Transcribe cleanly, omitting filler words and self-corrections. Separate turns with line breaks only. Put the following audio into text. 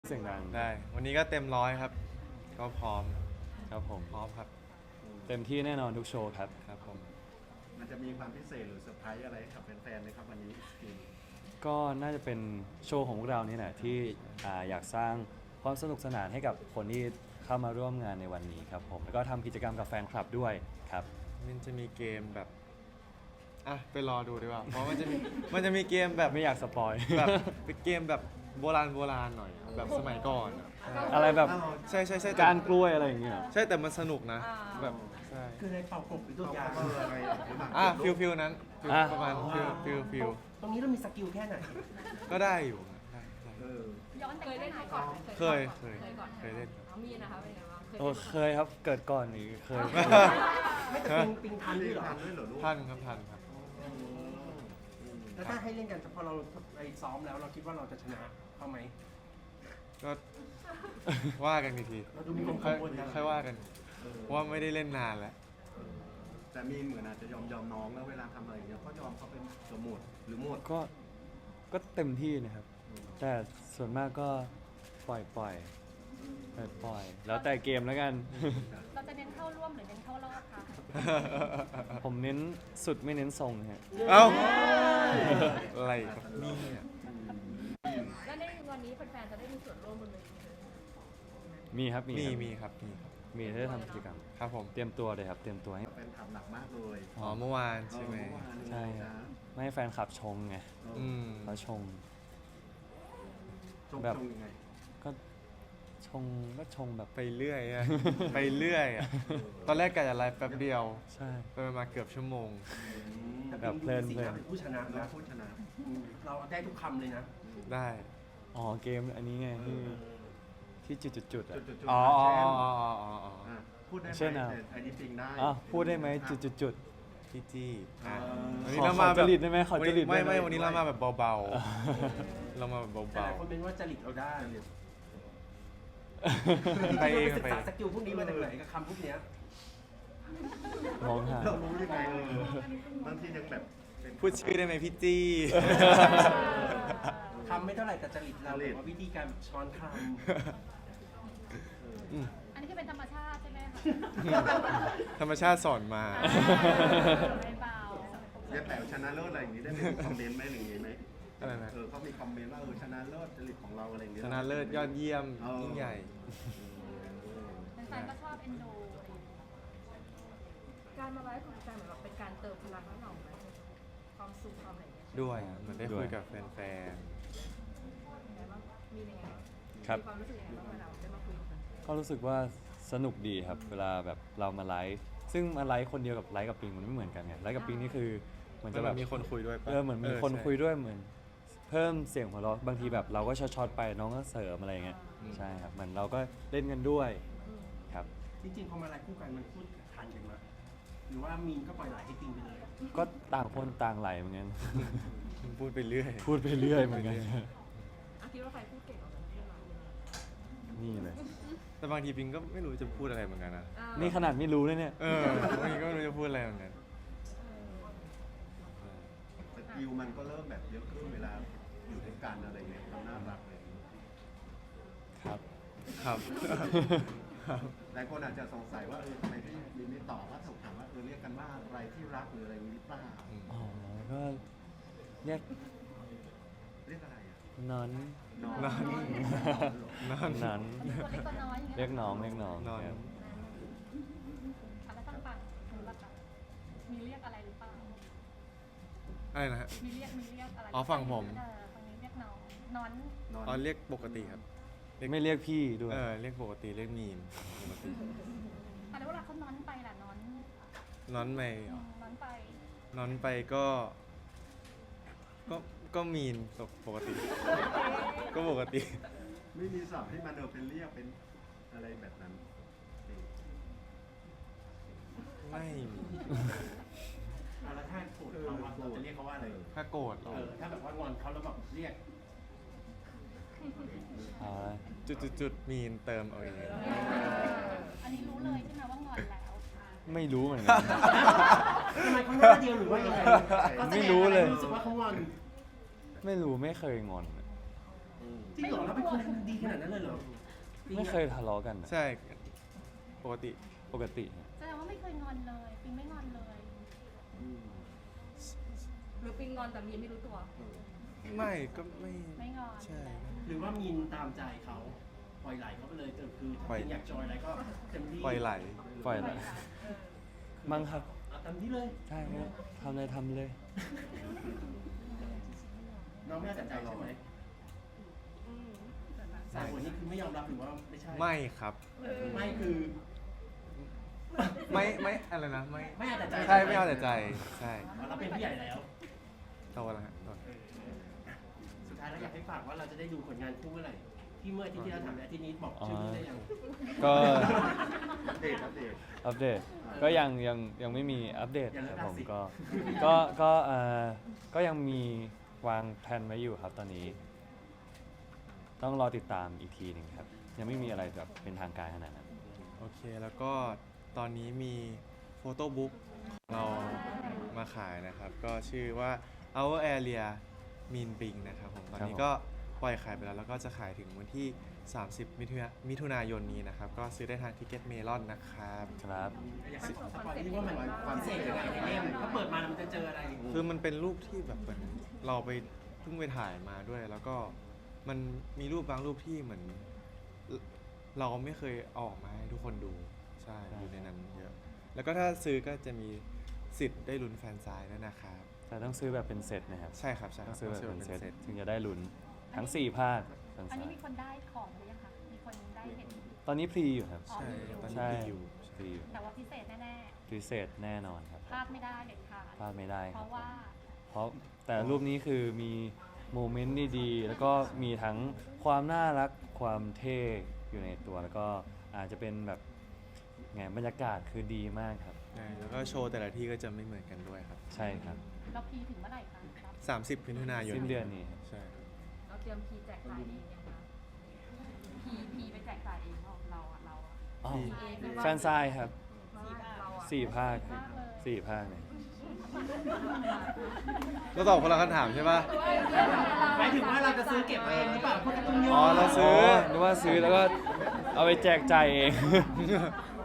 เสียงดัง
ได้วันนี้ก็เต็มร้อยครับก็พร้อม
ครับผม
พร้อมครับ
เต็มที่แน่นอนทุกโชว์ครับ
ครับผม
มันจะมีความพิเศษหรือเซอร์ไพรส์อะไรกับแฟนๆไหมครับวันนี้สกิน
ก็น่าจะเป็นโชว์ของพวกเรานี่แหละที่อยากสร้างความสนุกสนานให้กับคนที่เข้ามาร่วมงานในวันนี้ครับผมแล้วก็ทำกิจกรรมกับแฟนคลับด้วยครับ
มันจะมีเกมแบบอ่ะไปรอดูดีกว่าเพราะมันจะมีเกมแบบ
ไม่อยากสปอย
แบบเป็นเกมแบบโบราณหน่อยแบบสมัยก่อนอะ
อะไรแบบ
ใช่แต่
การกล้วยอะไรอย่างเงี้ย
ใช่แต่มันสนุกนะแบบใช่
คือในเป่ากบหรือตั
ตัว
วยา
อะไรหรือเปล่า
ฟิลนั้นฟิล
อ่ะ
ประมาณฟิล
ตรงนี้เรามีสกิลแค่ไหน
ก็ได้อยู่ได้
เออ
ย้อนเคยเล่นมาก่อนไหม
เคย
ก่อน
เคยเล่น
เอามีนะคะเป็นไงบ้าง
โอ้เคยครับเกิดก่อนนี่เคย
ไม่แต่ปิงทันด้วยเหรอ
ทันด้วยเหรอลูก
ทันครับทันครับ
แล้วถ้าให้เล่นกันพอเราไปซ้อมแล้วเราคิดว่าเราจะชนะเขาไหม
ก็ว่ากันอีกที
เราดูมีความ
ค่
กั
อย
งวลนะ
ค่อยว่ากัน เพราะว่าไม่ได้เล่นนานแล้ว
แต่มีเหมือนอาจจะยอมน้องแล้วเวลาทำอะไรอย่างเงี้ยก็ยอมเขาเป็นสมุดหรือหมด
ก็เต็มที่นะครับ แต่ส่วนมากก็ปล่อยปล่อยแล้วแต่เกมแล้วกัน
เราจะเน้นเข้าร่วมหรือเน้นเข้ารอบคะ
ผมเน้นสุดไม่เน้นทรงฮะ
เอ้าอะไรครับนี่ย
แล้วในวันนี้แฟนๆจะได้มีส่วนร่วมบนเวที
มีครับมีครับ
มีครับมีครับ
มีที่จะทำกิจกรรม
ครับผม
เตรียมตัวเลยครับ เตรียมตัวให้
เป็นทำหนักมากเลย
อ๋อเมื่อวานใช่ไหม
ใช่ครับ ไม่ให้แฟนคลับชงไง
อืม
เขาชง
ชง
แบบ
ชงยังไง
ก็ชงแบบ
ไปเรื่อยอะ ไปเรื่อยอะตอนแรกกะจะไลฟ์แป๊บเดียว
ใช่
ไปมาเกือบชั่วโมง
แต่
แบบเพลิน
สีหน้าเป็นผู้ชนะ
เรา
นะ
พูดชนะ
เราได้ทุกคำเลยนะ
ได้
อ๋อเกมอันนี้ไงที่จุดๆอ่ะ
จุด
อ๋อ
ๆ
อ๋อ
เช่น
อ๋ออ๋ออ๋อ
พูดได้ไหม
เช่นอะ
ไอ้นี่ปิงได้
อ๋อพูดได้ไหมจุด
พี่จี้อ่ะ
เออ
วันนี้
ขอ
เรามาแบบ
ขอจริตได้ไหมขอจริตได้ไหม
ไม่วันนี้เรามาแบบเบาๆ เรามาแบบ
แต่ห
เบา
ลายคนเป็นว่าจริตเราได้
ๆ ไปเอง
ศึก
ไป
ษาสกิลพวกนี้มาจากไหนกับคำพวกเนี้ย
มองหา
เรารู้ยังไงบางทียังแบบเป็น
พูดชื่อได้ไหมพี่จี้
คำไม่เท่าไหร่แต่จริตเราแบบว่าวิธีการช้อนค
อันนี้คือเป็นธรรมชาติใช่ไหมคะ
ธรรมชาติสอนมา
ไม่เบา
เรียกแต่ชนะเลิศอะไรอย่างนี้ได้มีคอมเมนต์ไหมหรืออย่างนี้ไหม
อะไรนะ
เขามีคอมเมนต์ว่าชนะเลิศจริตของเราอะไรอย่างเงี้ย
ชนะเลิศยอดเยี่ยม
เออ
ยิ่งใหญ่
แฟนๆก็ชอบเอ็นดูการมาไลฟ์ของแฟนเหมือนแบบเป็นการเติมพลังให้เราไหมความสุขความอะไรอย่างเงี้ย
ด้วยอะเหมือนได้คุยกับแฟน
ยังไงบ้างมียังไงบ้าง
ครับ
มีความรู้สึกยังไงบ้างเวลาได้มาคุยกัน
ก็รู้สึกว่าสนุกดีครับ เวลาแบบเรามาไลฟ์ซึ่งมาไลฟ์คนเดียวกับไลฟ์กับปิงมันไม่เหมือนกันไงไลฟ์กับปิงนี่คือเหมือน
ๆ
จะ
จะ
แบ
แบบ บมีคนคุยด้วยปะ
เหมือนมีคนคุยด้วยเหมือน เพิ่มเสียงหัวเราะบางทีแบบเราก็ช็อตๆไปน้องก็เสริมอะไรอย่างเงี้ยใช่ครับเหมือนเราก็เล่นกันด้วยครับ
ำจริงๆพอมาไลฟ์คู่กันมันพูดทันกันไหมหรือว่ามีนก็ปล่อยไหลให้ปิงไปเลย
ก็ต่างคนต่างไหลเหมือนกัน
พูดไปเรื่อย
พูดไปเรื่อยเหมือนกัน
อ่ะคิดว่าใครพูดเก่งกว่ากันเพื่อนเรา
นี่เลย
แต่บางทีปิงก็ไม่รู้จะพูดอะไรเหมือนกันนะ
นี่ขนาดไม่รู้เลยเนี่ย
บางทีก็ไม่รู้จะพูดอะไรเหมือนกัน
สกิลมันก็เริ่มแบบเยอะขึ้นเวลาอยู่ด้วยกันอะไรเงี้ยเราน่ารักเลย
ครับ
ครับ
หลายคนอาจจะสงสัยว่าทำไมพี่มีไม่ตอบว่าถูกถามว่าเรียกกันว่าอะไรที่รักหรืออะไรอย่างนี้หรือเปล่า
อ๋อก็เรียก
เรียกอะไรอ่ะ
นอน
นอน
นอน นอน
นอน
ตัวเล็กตัวน้อยอย่างเงี้ย
เรียกน้องเรียกน้อง
นอน
ครับ
อ่ะแล้วต่างๆหนูล่ะคะมีเรียกอะไรหรือเปล่า
อะไรนะฮะ
มีเรียกอะไร
อ๋อฝั่งผม
ฝั่งนี้เรียกน้องนอน
นอน
อ๋อเรียกปกติครับ
ไม่เรียกพี่ด้วย
เรียกปกติเรียกมีนปกติ
อ่ะแล้วเวลาเขานอนไปล่ะนอน
นอนไป
นอนไป
นอนไปก็ ก็มีนปกติ ก็ปกติ
ไม่มีศัพท์ที่มันเป็นเรียกเป็นอะไรแบบนั้น
ไม่มี
แล้วถ้าโกรธเขาอะเราจะเรียกเขาว่าอะไร
ถ้าโกรธ
ถ้าแบบว่างอนเขาแล้วแบบเรียก
เอาละ
จุดมีนเติมเอาเอง
อันนี้รู้เลยใช่ไหมว่างอนแล้ว
ไม่รู้เหมือนกัน
ทำไมเขาหน้าเดียวหรือว่ายังไง
ไม่รู้เลย
รู้สึกว่าเขางอน
ไม่รู้ไม่เคยงอน
เ
จริงเหรอเราเป็นคนดีขนาดนั้นเลยเหรอ
ไม่เคยทะเลาะกันนะ
ใช่ปกติ
ปกติ
แสดงว่าไม่เคยงอนเลยปิงไม่งอนเลย
หรือปิงงอนแต่มีนไม่รู้ตัว
ไม่ก็ไม่
ไม่งอน
ใช่
หรือว่ามีนตามใจเขาปล่อยไหลเขาไปเลยคือถ้า
ปล่อย
เป็นอยากจอยอะไรก็เต็มที่
ปล่อยไหล
ปล่อยเลยมั้งครับ
เอาเต็มที่เลย
ใช่ครับทำเลยทำเลย
น้องไม่เอาแต่ใจใช่ไหมสายคนนี้คือไม่ยอมรับหรือว่าไม่ใช่
ไม่ครับ
ไม่คือ
ไม่อะไรนะไม่
ไม่เอาแต่ใจ
ใช่ไม่เอาแต่ใจใช่
เราเป็นผู้ใหญ่แล้ว
โตแล้วฮะโต
สุดท้ายแล้วอยากให้ฝากว่าเราจะได้ดูผลงานคู่เมื่อไหร่ที่เมื่ออาทิตย์ที่เราทำและอาทิตย์นี้บอกชื่อนี้ได้ยัง
ก็
อัปเดต
อัปเดตก็ยังไม่มีอัปเดต
ยัง
ค
ไม่
รับผม
ตัดสิน
ก็ยังมีวางแผนไว้อยู่ครับตอนนี้ ต้องรอติดตามอีกทีหนึ่งครับ ยังไม่มีอะไรแบบเป็นทางการขนาดนั้น
โอเคแล้วก็ตอนนี้มีโฟโต้บุ๊กของเรามาขายนะครับ ก็ชื่อว่า Our Area Mean Bing นะครับผมตอนนี้ก็ปล่อยขายไปแล้วก็จะขายถึงวันที่ 30 มิถุนายนนี้นะครับ ก็ซื้อได้ทางทิกเก็ตเมลอนนะครับ
ครับ
อยากให้สปอยนิดนึงว่ามันพิเศษยังไงในเล่มถ้าเปิดมาแล้วมันจะเจออะไร
คือมันเป็นรูปที่แบบเหมือนเราไปเพิ่งไปถ่ายมาด้วย แล้วก็มันมีรูปบางรูปที่เหมือน เราไม่เคยเอาออกมาให้ทุกคนดูใช่อยู่ในนั้นเยอะ แล้วก็ถ้าซื้อก็จะมีสิทธิ์ได้ลุ้นแฟนซายด้วยนะครับ
แต่ต้องซื้อแบบเป็นเซตนะครับ
ใช่ครับใช่ค
ต้
รั
อบ งซื้อแบบเป็นเซต
ต
ถึงจะได้ลุ้นทั้ง 4 ภาคทั้ง
อัน
สา
นี้
ม
มีคนได้ของหรือยังคะมีคนได้เห็น
ตอนนี้พรีอยู่ครับ
ใช่ตอนนี้
ใช่
มีอยู่
พรีอยู่
แต่ว่าพิเศษแน่
พิเศษแน่นอนครับ
ๆพลาดไม่ได้เด็ดขาด
พลาดไม่ได้
เพ
ครับ
ราะว่า
เพราะแต่รูปนี้คือมีโมเมนต์ดีๆแล้วก็มีทั้งความน่ารักความเท่อยู่ในตัว แล้วก็อาจจะเป็นแบบไงบรรยากาศคือดีมากครับ
ใช่แล้วก็โชว์แต่ละที่ก็จะไม่เหมือนกันด้วยครับ
ใช่ครับ
เราพีถึงเมื่อไหร่คะครับ
30 มิถุนายน
สิ้นเดือนนี้
ใช่ครับ
เราเตรียมพีแจกจ่ายเองยังคะพีไปแจกจ่ายเองเราอะ
อ๋อ
พีเองหรือว่า
แฟนซายครับ
เราอะ
4 ภาคครับ4 ภาคเนี่ย
เราตอบคนละคำถามใช่ปะ
หมายถึงว่าเราจะซื้อเก็บเองหรือเปล่าพวกการ์ตูนย่อ
อ๋อเราซื้อ
นึกว่าซื้อแล้วก็เอาไปแจกจ่ายเอง